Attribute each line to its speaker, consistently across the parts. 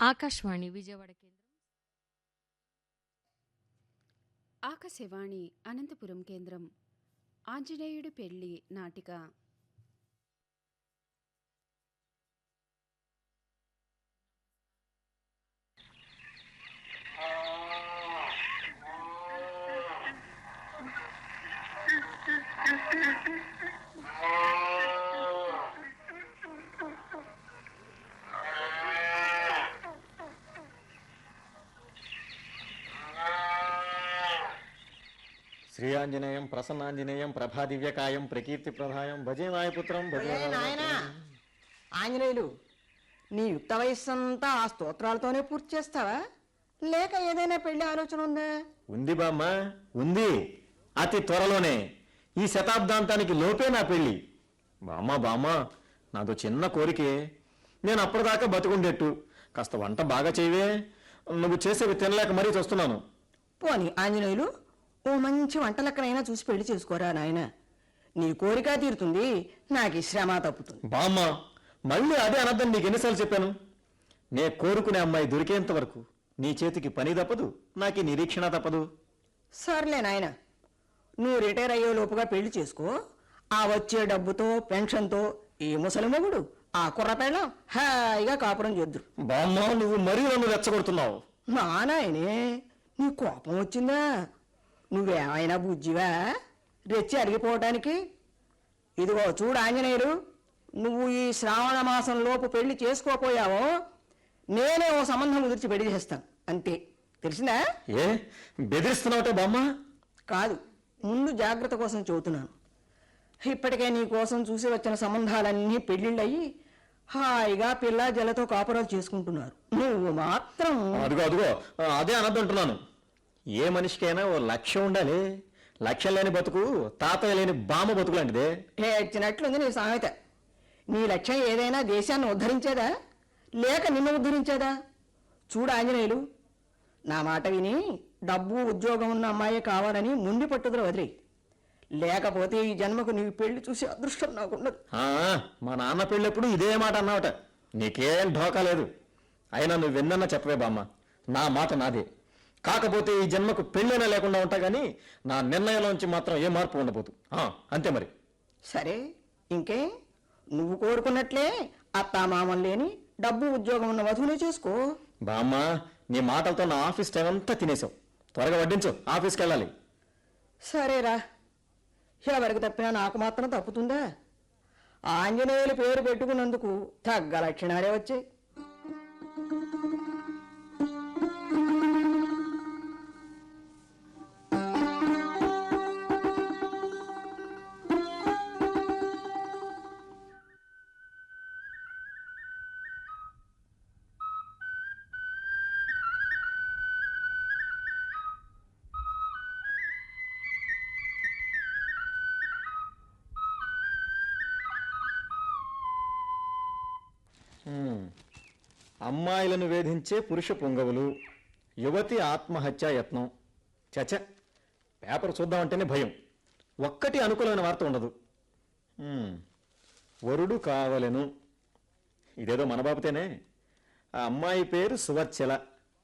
Speaker 1: ఆకాశవాణి విజయవాడ కేంద్రం.
Speaker 2: ఆకాశవాణి అనంతపురం కేంద్రం. ఆంజనేయుడి పెళ్లి నాటిక.
Speaker 3: శ్రీయాంజనేయం ప్రసన్నాంజనేయం ప్రభాదివ్యకాయం ప్రకీర్తి ప్రధాయం భజే నాయపుత్రం భజే
Speaker 4: నాయనా ఆంజనేయులు, నీ యుక్త వయస్సంతా ఆ స్తోత్రాలతోనే పూర్తి చేస్తావా, లేక ఏదైనా పెళ్లి ఆలోచన ఉందా?
Speaker 3: ఉంది బామ్మ, ఉంది. అతి త్వరలోనే, ఈ శతాబ్దాంతానికి లోపే నా పెళ్లి. బామ్మ బామ్మ, నాదో చిన్న కోరికే. నేను అప్పటిదాకా బతుకుండేట్టు కాస్త వంట బాగా చేయవే. నువ్వు చేసేవి తినలేక మరీ చూస్తున్నాను.
Speaker 4: పోని ఆంజనేయులు, ఓ మంచి వంటలక్కనైనా చూసి పెళ్లి చేసుకోరా నాయన. నీ కోరిక తీరుతుంది, నాకు ఈ శ్రమ తప్పుతుంది.
Speaker 3: బామ్మ, మళ్ళీ అదే అనద్దని నీకు ఎన్నిసార్లు చెప్పాను. నే కోరుకునే అమ్మాయి దొరికేంత వరకు నీ చేతికి పని తప్పదు, నాకు నిరీక్షణ తప్పదు.
Speaker 4: సర్లే నాయన, నువ్వు రిటైర్ అయ్యే లోపుగా పెళ్లి చేసుకో. ఆ వచ్చే డబ్బుతో పెన్షన్తో ఈ ముసలి మొగుడు ఆ కుర్ర పెళ్ళం హాయిగా కాపురం చేద్దురు.
Speaker 3: బామ్మ, నువ్వు మరీ నన్ను రెచ్చగొడుతున్నావు.
Speaker 4: నా నాయనే, నీ కోపం వచ్చిందా? నువ్వేమైనా బుజ్జివా రెచ్చి అడిగిపోవటానికి? ఇదిగో చూడు ఆంజనేయులు, నువ్వు ఈ శ్రావణ మాసం లోపు పెళ్లి చేసుకోపోయావో నేనే ఓ సంబంధం కుదిర్చి పెళ్లి చేస్తాను, అంతే. తెలిసిందా?
Speaker 3: ఏ బెదిరిస్తున్నావుటే బామ్మ?
Speaker 4: కాదు, ముందు జాగ్రత్త కోసం చెబుతున్నాను. ఇప్పటికే నీ కోసం చూసి వచ్చిన సంబంధాలన్నీ పెళ్లిళ్ళయి హాయిగా పిల్ల జలతో కాపురాలు చేసుకుంటున్నారు. నువ్వు మాత్రం
Speaker 3: అదిగో అదిగో అదే అనద్దంటున్నాను. ఏ మనిషికైనా ఓ లక్ష్యం ఉండాలి. లక్ష్యం లేని బతుకు తాతయ్య లేని బామ్మ బతుకు లాంటిదే.
Speaker 4: ఏడ్చినట్లుంది నీ సామెత. నీ లక్ష్యం ఏదైనా దేశాన్ని ఉద్ధరించేదా, లేక నిన్ను ఉద్ధరించేదా? చూడు ఆంజనేయులు, నా మాట విని డబ్బు ఉద్యోగం ఉన్న అమ్మాయే కావాలని ముండి పట్టుదల వదిలి, లేకపోతే ఈ జన్మకు నీ పెళ్లి చూసి అదృష్టం నాకుండదు.
Speaker 3: మా నాన్న పెళ్ళెప్పుడు ఇదే మాట అన్నావట. నీకేం ఢోకా లేదు. అయినా నువ్వు విన్నన్నా చెప్పవే బామ్మ, నా మాట నాదే. కాకపోతే ఈ జన్మకు పెళ్ళైనా లేకుండా ఉంటా గానీ నా నిర్ణయంలోంచి మాత్రం ఏ మార్పు ఉండబోదు. అంతే మరి.
Speaker 4: సరే, ఇంకే నువ్వు కోరుకున్నట్లే అత్తామామం లేని డబ్బు ఉద్యోగం ఉన్న వధువునే చేసుకో.
Speaker 3: బామ్మ, నీ మాటలతో నా ఆఫీస్ టైం అంతా తినేసావు. త్వరగా వడ్డించు, ఆఫీస్కి వెళ్ళాలి.
Speaker 4: సరేరా, ఎవరికి తప్పినా నాకు మాత్రం తప్పుతుందా? ఆంజనేయులు పేరు పెట్టుకున్నందుకు తగ్గ లక్షణాలే వచ్చాయి.
Speaker 3: అమ్మాయిలను వేధించే పురుష పుంగవులు, యువతి ఆత్మహత్యా యత్నం. చచ, పేపర్ చూద్దామంటేనే భయం. ఒక్కటి అనుకూలమైన వార్త ఉండదు. వరుడు కావలెను, ఇదేదో మన బాబుతేనే. ఆ అమ్మాయి పేరు సువర్చల.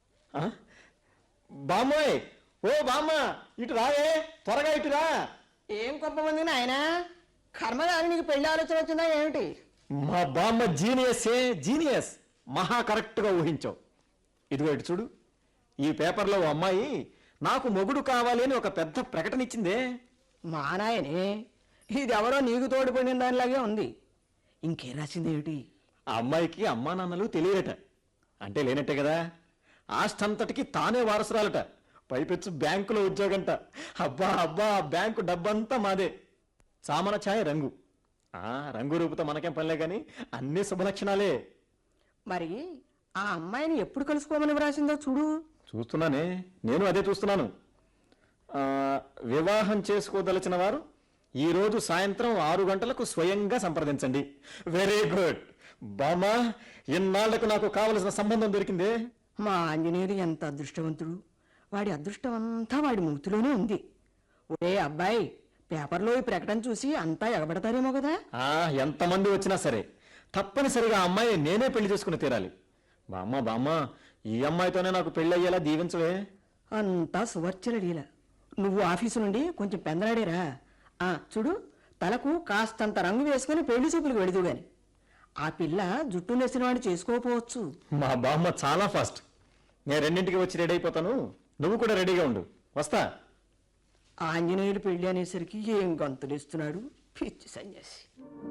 Speaker 3: బామ్మాయ్, ఓ బామ్మ, ఇటు రావే, త్వరగా ఇటు రా.
Speaker 4: ఏం గొప్పమంది నాయన, కర్మగారి నీకు పెళ్లి ఆలోచన వచ్చిందా ఏమిటి?
Speaker 3: మా బామ్మ జీనియసే, జీనియస్. మహా కరెక్ట్గా ఊహించావు. ఇదిగో ఇటు చూడు, ఈ పేపర్లో ఓ అమ్మాయి నాకు మొగుడు కావాలి అని ఒక పెద్ద ప్రకటన ఇచ్చిందే.
Speaker 4: మా నాయనే, ఇది ఎవరో నీకు తోడుపడిన దానిలాగే ఉంది. ఇంకేం రాసింది ఏమిటి?
Speaker 3: ఆ అమ్మాయికి అమ్మా నాన్నలు తెలియరట. అంటే లేనట్టే కదా. ఆస్తంతటికి తానే వారసురాలట. పైపెచ్చు బ్యాంకులో ఉద్యోగంట. అబ్బా అబ్బా, బ్యాంకు డబ్బంతా మాదే. చామన ఛాయ రంగు. రంగు రూపుతో మనకేం పనిలే కానీ అన్ని శుభలక్షణాలే.
Speaker 4: మరి ఆ అమ్మాయిని ఎప్పుడు కలుసుకోమని వ్రాసిందో చూడు.
Speaker 3: చూస్తున్నానే, నేను అదే చూస్తున్నాను. వివాహం చేసుకోదలిచిన వారు ఈరోజు సాయంత్రం 6 గంటలకు స్వయంగా సంప్రదించండి. వెరీ గుడ్ బామా, ఇన్నాళ్లకు నాకు కావలసిన సంబంధం దొరికిందే.
Speaker 4: మా ఆంజనేయుడు ఎంత అదృష్టవంతుడు. వాడి అదృష్టం అంతా వాడి మూతిలోనే ఉంది. ఒరే అబ్బాయి, పేపర్లో ఈ ప్రకటన చూసి అంతా ఎగబడతారేమో కదా.
Speaker 3: ఎంతమంది వచ్చినా సరే తప్పనిసరిగా అమ్మాయి నేనే పెళ్లి చేసుకుని తీరాలి. బామ్మ బామ్మ, ఈ అమ్మాయితోనే నాకు పెళ్ళి అయ్యేలా దీవించవే.
Speaker 4: అంతా సువర్చల లీల. నువ్వు ఆఫీసు నుండి కొంచెం పెందలాడేరా. చూడు, తలకు కాస్తంత రంగు వేసుకుని పెళ్లి చూపులకు వెళుదు గాని ఆ పిల్ల జుట్టు నెసిన వాడిని చేసుకోకపోవచ్చు.
Speaker 3: మా బామ్మ చాలా ఫాస్ట్. నేను 2ంటికి వచ్చి రెడీ అయిపోతాను, నువ్వు కూడా రెడీగా ఉండు. వస్తా.
Speaker 4: ఆంజనేయులు పెళ్లి అనేసరికి ఏం గంతులేస్తున్నాడు పిచ్చి సన్యాసి.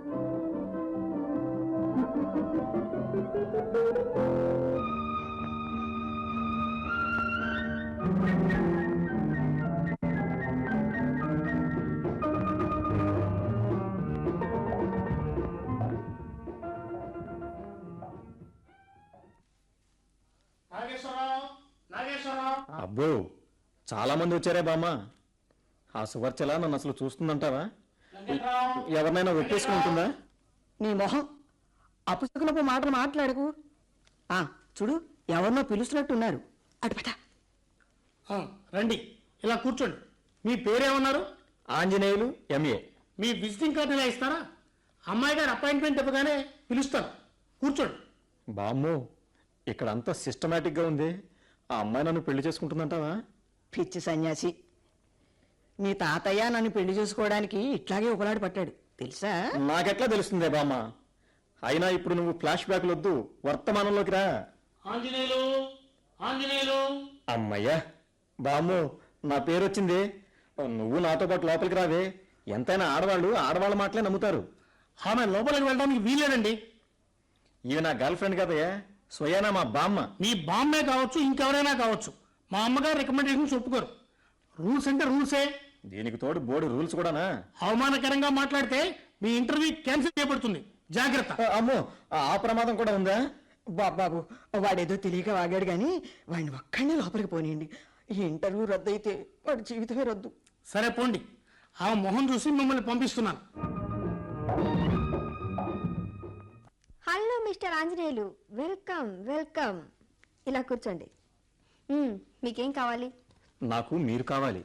Speaker 3: అబ్బో, చాలా మంది వచ్చారే బామ్మ. ఆ సువర్చల నన్ను అసలు చూస్తుందంటావా? ఎవరినైనా ఒప్పేసుకుంటుందా?
Speaker 4: నీ మొహం అపుసకునపు మాటలు మాట్లాడకు. చూడు, ఎవరినో పిలుస్తున్నట్టున్నారు. అటుపట
Speaker 1: రండి, ఇలా కూర్చోండి. మీ పేరేమన్నారు?
Speaker 3: Anjaneyulu, M.
Speaker 1: A visiting card ఇలా ఇస్తారా? అమ్మాయి గారు అపాయింట్మెంట్ ఇవ్వగానే పిలుస్తాను. కూర్చోండి.
Speaker 3: బామ్మో, ఇక్కడ అంతా సిస్టమేటిక్గా ఉంది. ఆ అమ్మాయి నన్ను పెళ్లి చేసుకుంటుందంటావా?
Speaker 4: పిచ్చి సన్యాసి, నీ తాతయ్య నన్ను పెళ్లి చేసుకోవడానికి ఇట్లాగే ఒకలాడి పట్టాడు తెలుసా?
Speaker 3: నాకెట్లా తెలుస్తుందే బామ్మ? అయినా ఇప్పుడు నువ్వు ఫ్లాష్ బ్యాక్లు వద్దు, వర్తమానంలోకి రా.
Speaker 1: ఆంజనేయులు, ఆంజనేయులు.
Speaker 3: అమ్మయ్యా బామ్మో, నా పేరు వచ్చింది. నువ్వు నాతో పాటు లోపలికి రావే. ఎంతైనా ఆడవాళ్ళ మాటలే నమ్ముతారు.
Speaker 1: ఆమె లోపలికి వెళ్ళడానికి వీలేనండి.
Speaker 3: ఇవి నా గర్ల్ ఫ్రెండ్ కదయ్యా, స్వయానా మా బామ్మ.
Speaker 1: మీ బామ్మే కావచ్చు, ఇంకెవరైనా కావచ్చు, మా అమ్మగారు రికమెండేషన్స్ ఒప్పుకోరు. రూల్స్ అంటే రూల్సే.
Speaker 3: దీనికి తోడు బోర్డు రూల్స్ కూడానా?
Speaker 1: అవమానకరంగా మాట్లాడితే మీ ఇంటర్వ్యూ క్యాన్సిల్ చేయబడుతుంది. జాగ్రత్త.
Speaker 3: అమ్మో, ఆ ప్రమాదం కూడా ఉందా?
Speaker 4: బాబు, వాడేదో తెలియక వాగాడు గాని వాడిని ఒక్కడినే లోపలికి పోనీయండి. ఈ ఇంటర్వ్యూ రద్దు అయితే వాడి జీవితమే రద్దు.
Speaker 1: సరే పోండి, ఆ మొహం చూసి మిమ్మల్ని పంపిస్తున్నాను.
Speaker 5: Hello mister Anjaneyulu, welcome welcome. ఇలా కూర్చోండి. మీకేం కావాలి?
Speaker 3: నాకు మీరు కావాలి.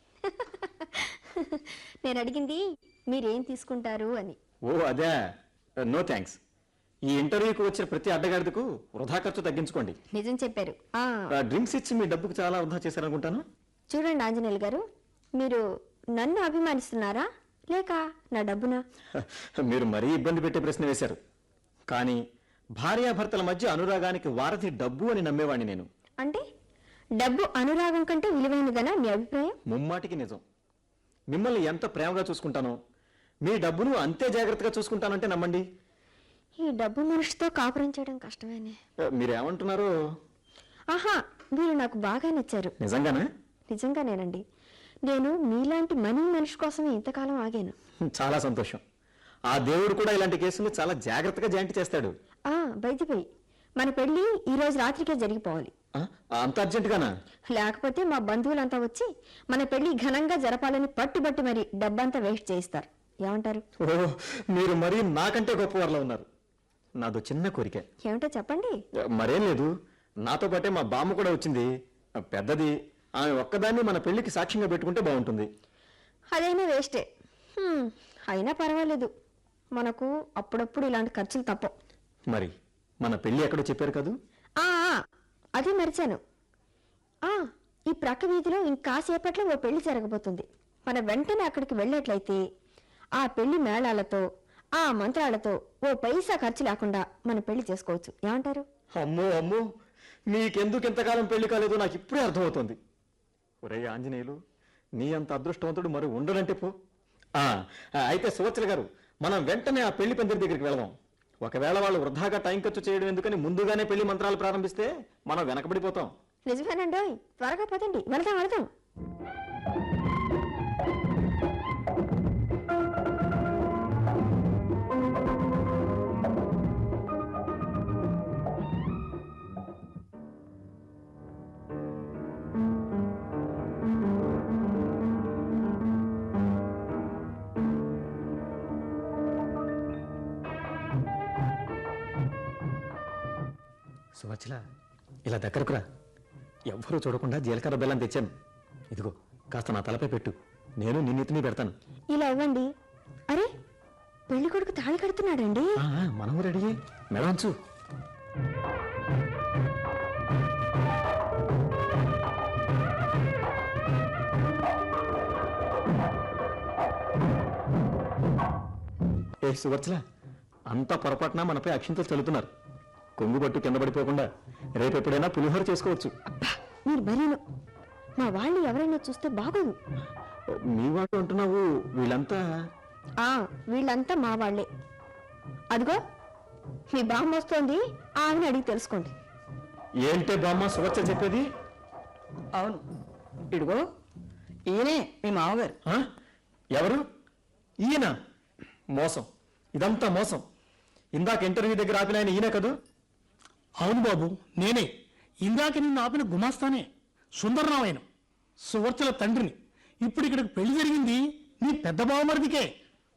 Speaker 5: నేను అడిగింది మీరేం తీసుకుంటారు అని.
Speaker 3: ఓ అదే, నో థ్యాంక్స్. ఈ ఇంటర్వ్యూకి వచ్చిన ప్రతి అడ్డగాడిదకు వృధా ఖర్చు తగ్గించుకోండి.
Speaker 5: నిజం చెప్పారు.
Speaker 3: డ్రింక్స్ ఇచ్చి మీ డబ్బుకు చాలా వృధా చేశారనుకుంటాను.
Speaker 5: చూడండి ఆంజనేయులు గారు, మీరు నన్ను అభిమానిస్తున్నారా లేక నా డబ్బునా?
Speaker 3: మీరు మరీ ఇబ్బంది పెట్టే ప్రశ్న వేశారు. కానీ భార్యాభర్తల మధ్య అనురాగానికి వారధి డబ్బు అని నమ్మేవాడిని నేను.
Speaker 5: అంటే డబ్బు అనురాగం కంటే విలువైనదనా మీ అభిప్రాయం?
Speaker 3: ముమ్మాటికి నిజం. మిమ్మల్ని ఎంత ప్రేమగా చూసుకుంటానో మీ డబ్బును అంతే జాగ్రత్తగా చూసుకుంటానంటే నమ్మండి.
Speaker 5: ఈ డబ్బు మనిషితో కాపురం చేయడం కష్టమేనే.
Speaker 3: మీరేమంటున్నారు?
Speaker 5: ఆహా, మీరు నాకు బాగా నచ్చారు.
Speaker 3: నిజంగానా?
Speaker 5: నిజంగానేనండి. నేను మీలాంటి మనీ మనిషి కోసమే ఇంతకాలం ఆగాను.
Speaker 3: చాలా సంతోషం. ఆ దేవుడు కూడా ఇలాంటి కేసులు చాలా జాగ్రత్తగా జాయింట్ చేస్తాడు.
Speaker 5: బయటిపై మన పెళ్లి ఈ రోజు రాత్రికే జరిగిపోవాలి.
Speaker 3: అంత అర్జెంటుగానా?
Speaker 5: లేకపోతే మా బంధువులంతా వచ్చి మన పెళ్లి ఘనంగా జరపాలని పట్టుబట్టి మరి డబ్బంతా వేస్ట్ చేయిస్తారు. ఏమంటారు?
Speaker 3: ఓ, మీరు మరీ నాకంటే గొప్పవారిలో ఉన్నారు. నాదో చిన్న కోరిక.
Speaker 5: ఏమిటో చెప్పండి.
Speaker 3: మరేం లేదు, నాతో పాటే మా బామ్మ కూడా వచ్చింది. పెద్దది. ఆమె ఒక్కదాన్ని మన పెళ్లికి సాక్ష్యంగా పెట్టుకుంటే బాగుంటుంది.
Speaker 5: అదైనా వేస్టే. అయినా పర్వాలేదు, మనకు అప్పుడప్పుడు ఇలాంటి ఖర్చులు తప్పవు.
Speaker 3: మరి మన పెళ్లి ఎక్కడో చెప్పారు కదూ?
Speaker 5: అదే మరిచాను. ఈ ప్రక్క వీధిలో ఇంకాసేపట్లో ఓ పెళ్లి జరగబోతుంది. మన వెంటనే అక్కడికి వెళ్ళేట్లయితే ఆ పెళ్లి మేళాలతో ఆ మంత్రాలతో ఓ పైసా ఖర్చు లేకుండా మన పెళ్లి చేసుకోవచ్చు. ఏమంటారు?
Speaker 3: అమ్మో అమ్మో, నీకెందుకు ఎంతకాలం పెళ్లి కాలేదో నాకు ఇప్పుడే అర్థమవుతుంది. ఒరే ఆంజనేయులు, నీ అంత అదృష్టవంతుడు మరి ఉండడంటే పో. అయితే సువత్సల గారు, మనం వెంటనే ఆ పెళ్లి పందిరి దగ్గరికి వెళదాం. ఒకవేళ వాళ్ళు వృధాగా టైం ఖర్చు చేయడం ఎందుకని ముందుగానే పెళ్లి మంత్రాలు ప్రారంభిస్తే మనం వెనకబడిపోతాం.
Speaker 5: నిజమేనండి, త్వరగా పదండి, వెళదాం వెళదాం.
Speaker 3: సువత్సల, ఇలా దగ్గరకురా. ఎవ్వరూ చూడకుండా జీలకర్ర బెల్లం తెచ్చాను. ఇదిగో, కాస్త నా తలపై పెట్టు, నేను నిన్నెత్తిని పెడతాను.
Speaker 5: ఇలా ఇవ్వండి. అరే, పెళ్లి కొడుకు తాళి కడుతున్నాడండి.
Speaker 3: మనం రెడీ, మెడవంచు. ఏ సువర్చల, అంతా పొరపాటున మనపై అక్షింతలు చల్లుతున్నారు. కొంగు పట్టు కింద పడిపోకుండా రేపెప్పుడైనా పులిహోర చేసుకోవచ్చు.
Speaker 5: మీరు మరీను మా వాళ్ళు ఎవరైనా చూస్తే బాగోదు.
Speaker 3: మీ వాడు అంటున్నావు, వీళ్ళంతా
Speaker 5: వీళ్ళంతా మా వాళ్ళే. అదిగో మీ బామ్మ వస్తోంది, ఆమెను అడిగి తెలుసుకోండి.
Speaker 3: ఏంటే బామ్మ సువర్చ చెప్పేది?
Speaker 4: అవును, ఇదిగో ఈయనే మీ మామగారు.
Speaker 3: ఆ? ఎవరు? ఈయన? మోసం, ఇదంతా మోసం. ఇందాక ఇంటర్వ్యూ దగ్గర ఆపిన ఆయన ఈయన కదూ?
Speaker 1: అవును బాబు, నేనే. ఇందాక నిన్ను ఆపిన గుమాస్తానే, సుందరరామాయణం, సువర్చల తండ్రిని. ఇప్పుడు ఇక్కడికి పెళ్లి జరిగింది నీ పెద్ద బావమరిదికే.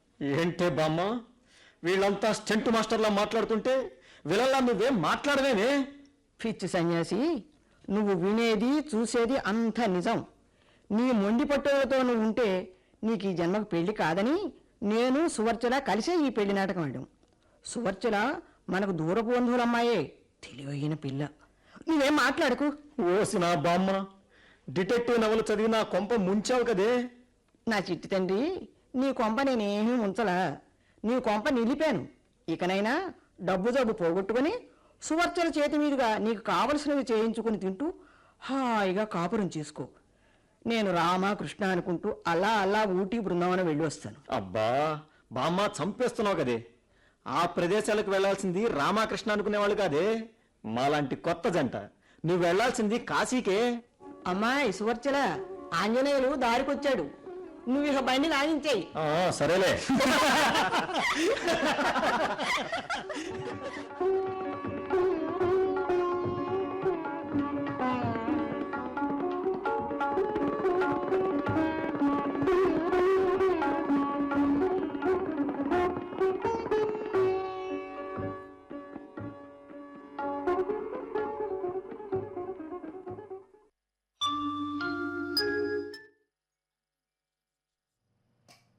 Speaker 3: ఏంటే బామ్మ, వీళ్ళంతా స్టెంట్ మాస్టర్లా మాట్లాడుతుంటే వీళ్ళల్లా నువ్వేం మాట్లాడవేనే?
Speaker 4: పిచ్చి సన్యాసి, నువ్వు వినేది చూసేది అంత నిజం. నీ మొండి పట్టుదలతో నువ్వు ఉంటే నీకు ఈ జన్మకు పెళ్లి కాదని నేను సువర్చల కలిసే ఈ పెళ్లి నాటకం ఆడాం. సువర్చల మనకు దూరపు బంధువులమ్మాయే, తెలివైన పిల్ల. నువ్వేం మాట్లాడకు.
Speaker 3: ఓసి నా బామ్మ, డిటెక్టివ్ నవలు చదివి నా కొంప ముంచావు కదే.
Speaker 4: నా చిట్టి తండ్రి, నీ కొంప నేనేమీ ఉంచలా, నీ కొంప నిలిపాను. ఇకనైనా డబ్బు జబ్బు పోగొట్టుకుని సువర్చల చేతి మీదుగా నీకు కావలసినవి చేయించుకుని తింటూ హాయిగా కాపురం చేసుకో. నేను రామ కృష్ణ అనుకుంటూ అలా అలా ఊటీ బృందావనం వెళ్ళి వస్తాను.
Speaker 3: అబ్బా బామ్మ, చంపేస్తున్నావు కదే. ఆ ప్రదేశాలకు వెళ్లాల్సింది రామకృష్ణ అనుకునేవాళ్ళు కాదే, మాలాంటి కొత్త జంట. నువ్వు వెళ్లాల్సింది కాశీకే.
Speaker 4: అమ్మాయి సువర్చల, ఆంజనేయులు దారికొచ్చాడు. నువ్వు ఇక బండి లాగించేయి.
Speaker 3: సరేలే.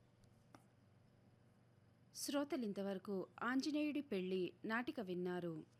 Speaker 2: శ్రోతలింతవరకు ఆంజనేయుడి పెళ్లి నాటిక విన్నారు.